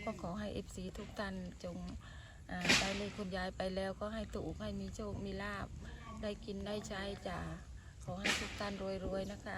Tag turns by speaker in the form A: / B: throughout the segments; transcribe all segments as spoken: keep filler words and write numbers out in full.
A: ก็ขอให้เอฟซีทุกท่านจงได้เลขคุณยายไปแล้วก็ให้ถูกให้มีโชคมีลาภได้กินได้ใช้จ้ะขอให้ทุกท่านรวยๆนะคะ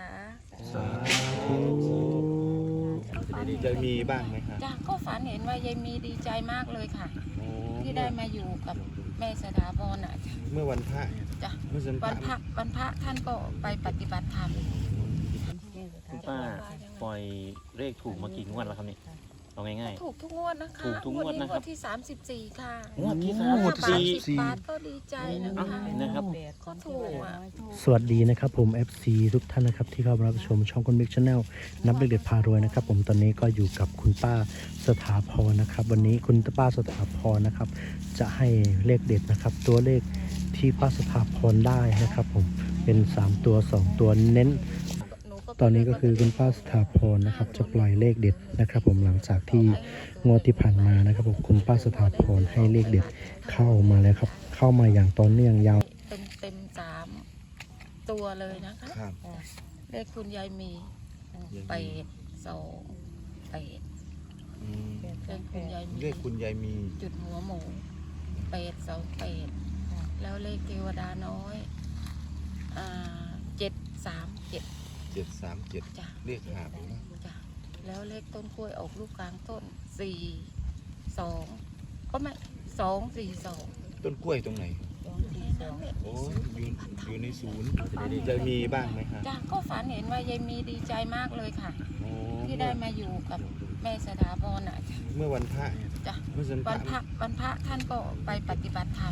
B: ดีใจมีบ้างไหมคะ
A: จ้ะก็ฝันเห็นว่ายายมีดีใจมากเลยค่ะที่ได้มาอยู่กับแม่สถาพรอ่ะ
B: เมื่อวันพระ
A: จ้ะวันพระวันพระท่านก็ไปปฏิบัติธรรม
C: คุณป้าปล่อยเลขถูกมากี่งวดแล้วครับนี่เอาง่าย
A: ๆถูกทุกงวดนะคะ
C: ถูกทุกงวดนะครับ
A: งวดที่สามสิบสี่ค่ะ
C: งวดที่สามสิบสี่
A: บาทก็ดีใจนะคะ
C: นะครับ
A: ก็ถูกอ่ะ
D: สวัสดีนะครับผม เอฟ ซี ทุกท่านนะครับที่เข้ามารับชมช่องคนบิ๊กชาแนลนับเลขเด็ดพารวยนะครับผมตอนนี้ก็อยู่กับคุณป้าสถาพรนะครับวันนี้คุณป้าสถาพรนะครับจะให้เลขเด็ดนะครับตัวเลขที่ป้าสถาพรได้นะครับผมเป็นสามตัวสองตัวเน้นตอนนี้ก็คือคุณป้าสถาพรนะครับจะปล่อยเลขเด็ดนะครับผมหลังจากที่งวดที่ผ่านมานะครับผมคุณป้าสถาพรให้เลขเด็ดเข้ามาแล้วครับเข้ามาอย่างต่อเนื่องยาว
A: เต็มเต็มสามตัวเลยนะคะเลขคุณยายมีแปดสองแปดเลขคุณยายมี
B: เลขคุณยายมี
A: จุดหัวหมูแปดสองแปดแล้วเลขเทวดาน้อยเจ็ดสามเจ็ด
B: เจ็ดสามเจ็ดเลขหาบนะ
A: จ้ะแล้วเลขต้นกล้วยออกลูกกลางต้นสี่สองก็ไม่สองสี่สอง
B: ต้นกล้วยตรงไหนโอ้อยู่อยู่ในศูนย์จะมีบ้างไหมคะ
A: จ้ะก็ฝันเห็นว่ายายมีดีใจมากเลยค่ะที่ได้มาอยู่กับแม่สถาพรอ่ะ
B: เมื่อวันพระ
A: จ้ะวันพระวันพระท่านก็ไปปฏิบัติธรรม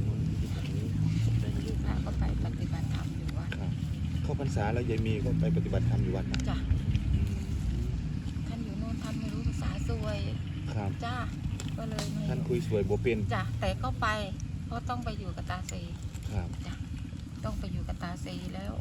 A: พระก็ไปปฏิบัติธรรมอยู่วัด
B: เข้าพรรษาแล้วยายมีก็ไปปฏิบัติธรรมอยู่วัดนะ
A: จ้ะท่านอยู่โน่นท่านไม่รู้ภาษาสวย
B: ครับ
A: จ้ะก็เลย
B: ท่านคุยสวยโบเป็น
A: จ้ะแต่ก็ไปก็ต้องไปอยู่กับตาเซ
B: ครับ
A: จ้ะต้องไปอยู่กับตาเซแล้ว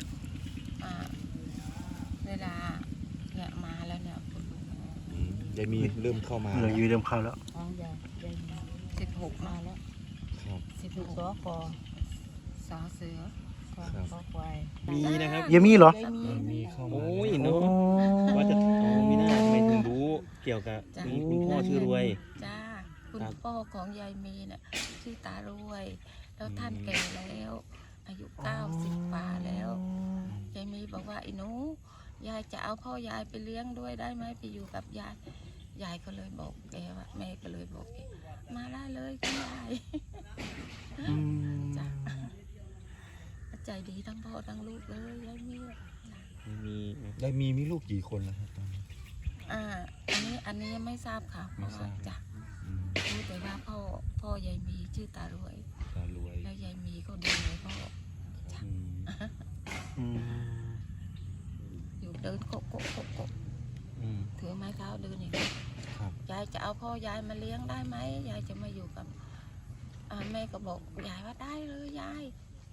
A: เวลาเนี่ยมาแล้วเนี่ยคุณลุง
B: ยายมีเริ่มเข้ามา
D: เลยยืนเริ่มเข้าแล้ว
A: สิบหกมาแล้ว
B: ครับ
A: สิบหกสอคอสอเสือ
B: คอ
C: ควายมีนะครับ
D: ยังมีเหรอ
B: มีเข้ามา
C: โอ้ยเนาะว่าจะมีหน้าทำไมถึงรู้เกี่ยวกับคุณพ่อชื่อรวย
A: จ้าคุณพ่อของยายมีเนี่ยชื่อตารวยแล้วท่านแก่แล้วอายุเก้าสิบป่าแล้วยายมีบอกว่าไอ้หนูยายจะเอาพ่อยายไปเลี้ยงด้วยได้ไหมไปอยู่กับยายยายก็เลยบอกแกว่าแม่ก็เลยบอกแกมาได้เลยคุณยายจ้าใจดีทั้งพ่อทั้งลูกเลยยายมี
C: มี
B: ยายมีมีลูกกี่คนแล้วครับตอนนี้
A: อ่าอันนี้อันนี้ยังไม่ทราบค่ะเพราะว่าจ้ะรู้แต่ว่าพ่อพ่อยายมีชื่อตารวย
B: ตารวย
A: แล้วยายมีก็ดูเลยพ่อจ้ะอยู่เดินโกะโกะโกะโกะถือไม้เท้าเดินอย่างนี้ยายจะเอาพ่อยายมาเลี้ยงได้ไหมยายจะมาอยู่กับแม่ก็บอกยายว่าได้เลยยาย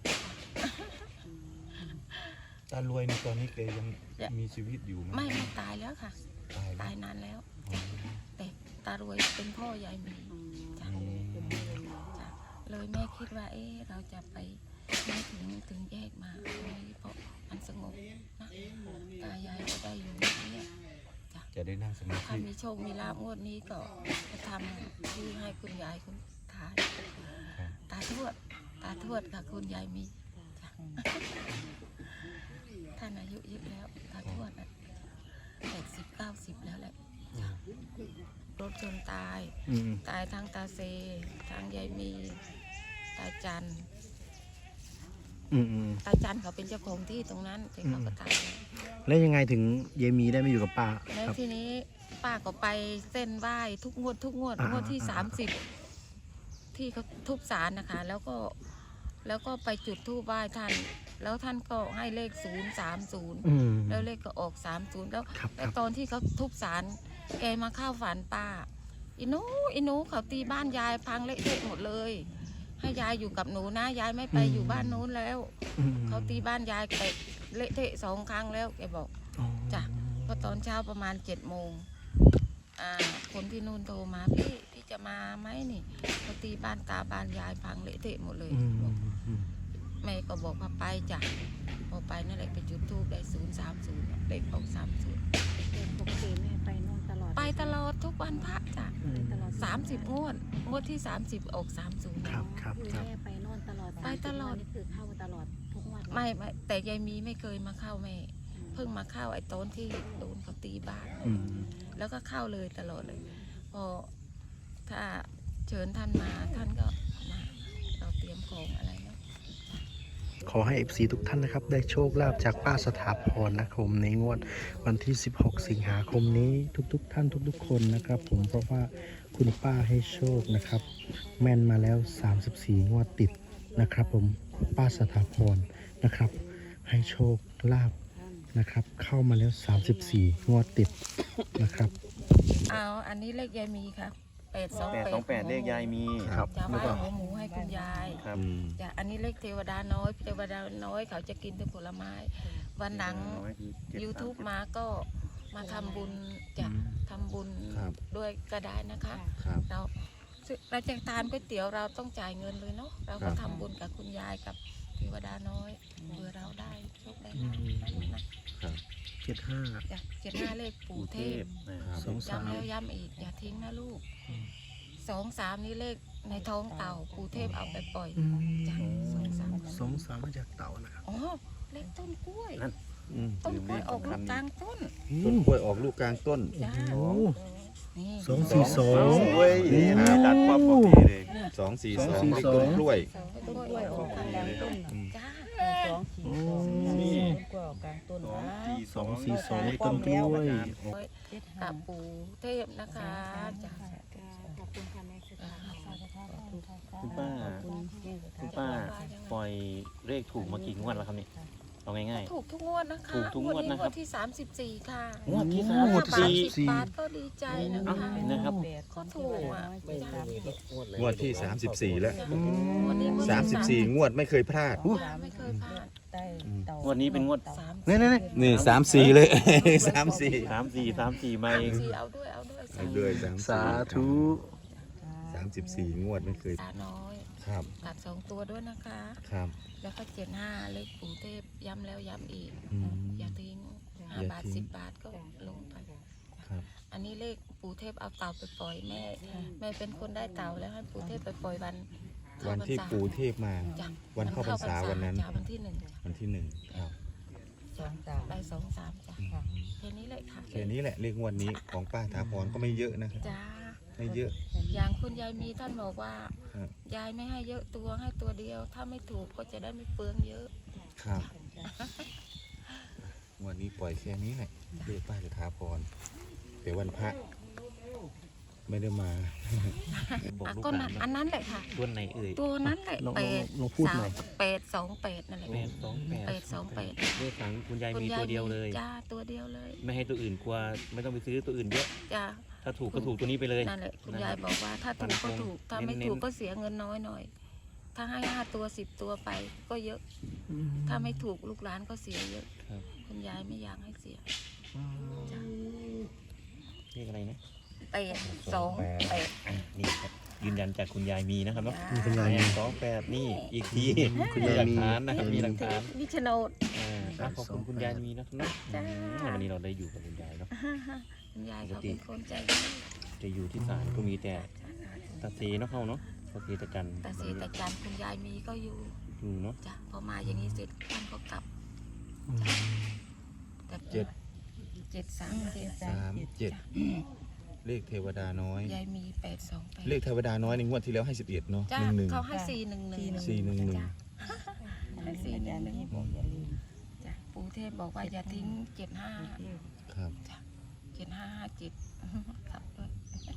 B: ตารวยในตอนนี้แกยังมีชีวิตอยู่ไหม
A: ไม่ไม่ตายแล้วค่ะตายนานแล้วแต่ตารวยเป็นพ่อยายมีจ้ะเลยแม่คิดว่าเอ๊ะเราจะไปไม่ถึงถึงแยกมาเพราะมันสงบนะตายายก็ได้อยู่นี่จ้ะ
B: จะได้นั่งสมาธิ
A: ถ้ามีโชคมีลาภงวดนี้ก็จะทำที่ให้คุณยายคุณทายตาทวดตาทวดค่ะคุณยายมีท่านอายุเยอะแล้วตาทวดอ่ะแปดสิบเก้าสิบแล้วแหละรถชนตายตายทางตาเซทางยายมีตาจันตาจันเขาเป็นเจ้าของที่ตรงนั้นแต่เขาก็ตาย
D: แล้วยังไงถึงยายมีได้มาอยู่กับป้า
A: แล้วทีนี้ป้าก็ไปเส้นไหว้ทุกงวดทุกงวดงวดที่สามสิบที่เขาทุบศาลนะคะแล้วก็แล้วก็ไปจุดธูปไหว้ท่านแล้วท่านก็ให้เลขศูนย์สามศูนย์แล้วเลขก็ออกสามศูนย์แล้วแล้วตอนที่เขาทุบศาลแกมาเข้าฝันป้าอินูอินูเขาตีบ้านยายพังเละเทะหมดเลยให้ยายอยู่กับหนูนะยายไม่ไปอยู่บ้านนู้นแล้วเขาตีบ้านยายเตะเละเทะสองครั้งแล้วแกบอกจ้ะพอตอนเช้าประมาณเจ็ดโมงคนที่นู่นโทรมาพี่พี่จะมาไหมนี่เขาตีบ้านตาบ้านยายพังเละเทะหมดเลยแม่ก็บอกว่าไปจ้ะพอไปนั่นแหละไปจุดธูปได้ศูนย์สามศูนย์เด็กออกสามศูนย์
E: ปกติแม่ไปนู่นตลอด
A: ไปตลอดดทุกวันพระจ้ะ
D: อืม
A: สามสิบงวดงวดที่สามสิบออกสามศูนย์
D: ครับครับ
E: คือ
D: ครับ
E: แม่ไปโน่นตลอด
A: ไปตลอด
E: นี่คือเข้าตลอดทุกงวัน
A: ไม่ไม่แต่ยายมีไม่เคยมาเข้าแม่เพิ่งมาเข้าไอ้ต้นที่โดนเขาตีบ้าน
D: อืม
A: แล้วก็เข้าเลยตลอดเลย พอถ้าเชิญท่านมาท่านก็มาเราเตรียมของอะไรเนาะ
D: ขอให้ เอฟ ซี ทุกท่านนะครับ ได้โชคลาภจากป้าสถาพรนะครับผมในงวดวันที่ สิบหก สิงหาคมนี้ทุกๆ ท่านทุกๆ คนนะครับ ผมเพราะว่าคุณป้าให้โชคนะครับ แม่นมาแล้ว สามสิบสี่ งวดติดนะครับ ผมป้าสถาพรนะครับ ให้โชคลาภนะครับ เข้ามาแล้ว สามสิบสี่ งวดติดนะครับ
A: เอาอันนี้เลขยายมีครับแปดสอง
C: แปด
A: แปด
C: สองแปดเลขยายมี
D: ครับ
A: จะไหว้หัวหมูให้คุณยาย
C: ครับ
B: อืม
A: จ้ะอันนี้เลขเทวดาน้อยเทวดาน้อยเขาจะกินแต่ผลไม้ วันหลัง YouTube มาก็มาทำบุญจะทำบุญ
B: ครับ
A: ด้วยก็ได้นะคะ
B: ครับ
A: เราซึ่งเราจะทานก๋วยเตี๋ยวเราต้องจ่ายเงินเลยเนาะเรา
B: ครั
A: ก็
B: บ
A: ทำบุญกับคุณยายกับเทวดาน้อยเพื่อเราได้โชคได้ลาภนะ
D: เจ็ดห้า
A: จ้ะเจ็ดห้าเลขปู่เทพ
B: ครับ
D: สองสาม
A: ย้ำแล้วย้ำอีกอย่าทิ้งนะลูกสองสามนี่เลขในท้องเต่าปู่เทพเอาไปปล่อย
D: อืม
A: จ้ะสองสาม
D: สองสามมาจากเต่านะครับ
A: อ๋อเลขต้นกล้วย
C: นั่น
B: อืม
A: ต้นกล้วยออกลูกกลางต้น
B: ต้นกล้วยออกลูกกลางต้น
A: จ้า
D: โอ้
A: นี่
D: สองสี่สอง
B: เว้ย
C: นี่หาตัดความบอกดีเลย
B: สองสี่สอง
D: สองสี่
B: เลข
D: สอง
B: ต้นกล้วย
A: ต้นกล้วยออกกลางต้นจ้า
E: สองสี่สอง
C: นี่
E: กว่ากลางต้น
C: สอง
E: นะ
C: สี่
D: สองสี่สองเลขต้นกล้วย
E: เจ็ด
A: กั
E: ห้า
A: บปู่เทพนะคะจ้า
E: ขอบคุณค่ะแม่สุดาขอบคุณค่ะ
C: คุณป้า
E: ขอบคุณแม่สุดา
C: คุณป้าปล่อยเลขถูกมากี่งวดแล้วครับนี่เอาง่าย
A: ถูกทุกงวดนะคะ
C: ถูกทุกงวดนะครับ
A: งวดที่สามสิบสี่ค่ะ
C: ๆงวดที่
D: โอ้
C: สาม
D: งว
C: สิ
D: ด
C: บ
D: ที่
C: สี่
A: บาทก็ดีใจนะ
C: เอ้า
A: คะ
C: นะครับ
A: ก็ถูกอ่ะจ้ะ
B: งวดที่สามสิบสี่แล้ว
A: วันนี้งวด
B: สามสิบสี่งวดไม่เคยพลาด
A: ไม่เคยพลาด
E: ใต้เต่าง
C: วดนี้เป็นงวด
A: สาม
D: นี่นี่นี่
B: นี่สามสี่เลย สามสี่
C: สามสี่สามสี่มาเอง
A: สี่เอาด้วยเอาด้วย
B: เอาด้วยสาม
D: สาธุ
B: สามสิบสี่งวดไม่เคย
A: ตาน้อย
B: ครับ
A: ตัดสองตัวด้วยนะคะ
B: ครับ
A: แล้วก็เจ็ดห้าเลขปู่เทพย้ำแล้วย้ำอีก
B: อืม
A: อย่าทิ้งห้า
B: อย่า
A: บาท
B: ทิ้ง
A: สิบบาทก็ลงไป
B: ครับ
A: อันนี้เลขปู่เทพเอาเต่าไปปล่อยแม่แม่เป็นคนได้เต่าแล้วให้ปู่เทพไปปล่อยวันเข้า
B: วัน
A: พรร
B: ที่
A: ษา
B: ปู่เทพมา
A: จ้ะ
B: วันเข้าพรรษาวันนั้น
A: จ้ะวันที่หนึ่ง
B: วันที่หนึ่งครับ
E: สองสาม
A: ได้สองสามจ้ะ
E: ค่ะ
A: แค่นี้เลยค่ะ
B: แค่นี้แหละเลขงวดนี้ของป้าถาพรก็ไม่เยอะนะครับ
A: จ้า
B: ไม่เยอะ
A: อย่างคุณยายมีท่านบอกว่า
B: ครับ
A: ยายไม่ให้เยอะตัวให้ตัวเดียว ถ้าไม่ถูกก็จะได้ไม่เปลืองเยอะ
B: ครับงวันนี้ปล่อยแค่นี้แหละเลขป้าถาพรแต่วันพระไม่ได้มา
C: บอก
A: อ่ะ
C: ลูก
A: ก็
C: หลา
A: นั้น น
C: นะ
A: อันนั้นแหละค่ะ
C: ตัวไหนเอ่ย
A: ตัวนั้นแหละ
D: ลอง
A: แป
D: ลอง
A: ด
D: ลองพูด
A: สา
D: หน่
A: ม
D: อย
A: แปดสองแปดนั่นแหละ
C: แปดสองแปด
A: แปดสองแปด
C: เลขของคุณยาย
A: คุณ
C: มี
A: ยา
C: ตั
A: ยว
C: เดียวเลย
A: จ้าตัวเดียวเลย
C: ไม่ให้ตัวอื่นกลัวไม่ต้องไปซื้อตัวอื่นเยอะ
A: จ้า
C: ถ้าถูกก็ถูกตัวนี้ไปเลย
A: นั่นแหละคุณยายบอกว่าถ้าถูกก็ถูก ถ้าไม่
C: เน้นๆ
A: ถูกก็เสียเงินน้อยหน่อย ถ้าให้ห้าตัวสิบตัวไปก็เยอะ ถ้าไม่ถูกลูกหลานก็เสียเยอะ
C: ครับ
A: คุณยายไม่อยากให้เสียจ้า
C: เลขอะไรนะ
A: แปดสองแปด
C: อ่ะนี่ครับยืนยันจากคุณยายมีนะครับเนาะ
D: คุณยายมี
C: สองแปดนี่อีกที
D: คุณ
C: มี
D: ยาย
C: หลัก
D: มี
C: ฐานนะครับมีหลักฐาน
A: มิชโนด
C: อ่าอ่ะขอบคุณคุณยายมีนะครับเนาะ
A: จ้า
C: อืมวันนี้เราได้อยู่กับคุณยายเนาะ
A: คุณยายเขาเป็นคนใจดี
C: จะอยู่ที่ศาลก็มีแต่ตาเซเนาะเขาเนาะตาเซตาจัน
A: แต่เสียแต่จันทร์คุณยายมีก็อยู่
C: อยู่เนาะ
A: จ้ะพอมาอย่างนี้เสร็จท่านก็กลับแต่
B: เจ็ด
A: เจ็ดสามเจ็ด
B: สามเจ็ดเลขเทวดาน้อย
A: ยายมีแปดสองแปด
B: เลขเทวดาน้อยในงวดที่แล้วให้สิบเอ็ดเนาะ
A: จ้า
B: หนึ่งหนึ่ง
A: เขาให้สี่หนึ่งหนึ่ง
B: สี่หนึ่งหนึ่ง
A: ให้สี่หนึ่งหนึ่ง
E: บอกอย่าลืม
A: จ้ะปู่เทพบอกว่าอย่าทิ้งเจ็ดห้า
B: ครับ
A: เจ็ดห้าห้าเจ็ดครับด้วย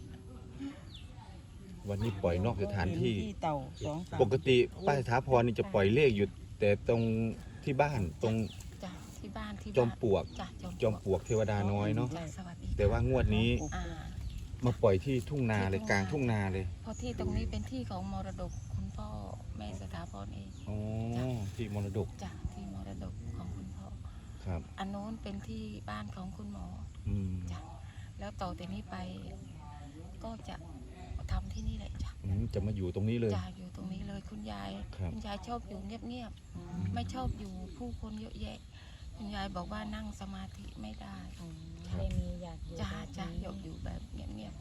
B: วันนี้ปล่อยนอกสถานที่
E: เต่าสองสาม
B: ปกติป้าถาพรนี่จะปล่อยเลขอยู่แต่ตรงที่บ้านตรง
A: จ้ะที่บ้านที่
B: จอม
A: บ้าน
B: ปลวก
A: จ้ะ
B: จอมปลวกเทวดาน้อยเนาะ
A: จ้ะสวัสดี
B: แต่ว่างวดนี้
A: อ่า
B: มาปล่อยที่ทุ่งนาเลยกลางทุ่งนาเลย
A: เพราะที่ตรงนี้เป็นที่ของมรดกคุณพ่อแม่สถาพรเอง
B: อ๋อที่มรดก
A: จ้ะที่มรดกของคุณพ่อ
B: ครับ
A: อันโน้นเป็นที่บ้านของคุณหมอ
B: อืม
A: จ้ะแล้วต่อแต่นี้ไปก็จะทำที่นี่แหละจ้ะ
B: อืมจะมาอยู่ตรงนี้เลย
A: จ้ะอยู่ตรงนี้เลยคุณยาย
B: ครับ
A: ณยายชอบอยู่เงียบๆไม่ชอบอยู่ผู้คนเยอะแยะ คุณยายบอกว่านั่งสมาธิไม่ได้
E: ไม่มีอยากอยู่
A: จ้ะ
E: แบบ
A: จ้ะ
E: นี้
A: อยากอยู่แบบเงียบ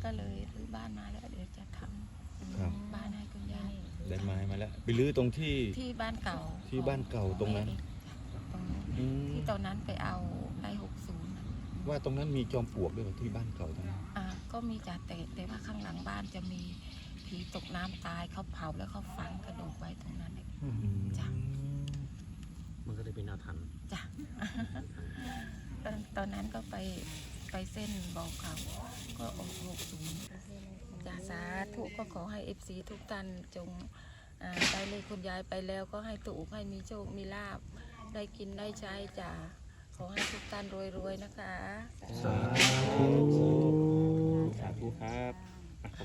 A: ก็เลยรื้อบ้านมาแล้วเดี๋ยวจะท
B: ครับ
A: ำบ้านให้คุณยาย
B: ได้ไม้มาแล้วไปรื้อตรงที่
A: ที่บ้านเก่า
B: ที่บ้านเก่าตรงนั้น
A: ตรงนั้น
B: อืม
A: ที่ตอนนั้นไปเอาได้หกศูนย์
B: ว่าตรงนั้นมีจอมปลวกด้วยเหรอที่บ้านเก่าตรงนั้น
A: อ่าก็มีจ่าแต่แต่ว่าข้างหลังบ้านจะมีผีตกน้ำตายเขาเผาแล้วเขาฝังกระดูกไว้ตรงนั้นเอง
B: อืม
A: จ้ะ
C: มันก็เลยเป็นอาถรรพ์
A: จ้ะ ตอนตอนนั้นก็ไปไปเส้นบอกเขาก็ออกหกศูนย์จ้ะสาธุก็ขอให้เอฟซีทุกท่านจงอ่าได้เลขคุณยายไปแล้วก็ให้ถูกให้มีโชคมีลาบได้กินได้ใช้จ้ะขอให้ทุกท่านรวยๆนะคะ
C: สาธุ สาธุครับ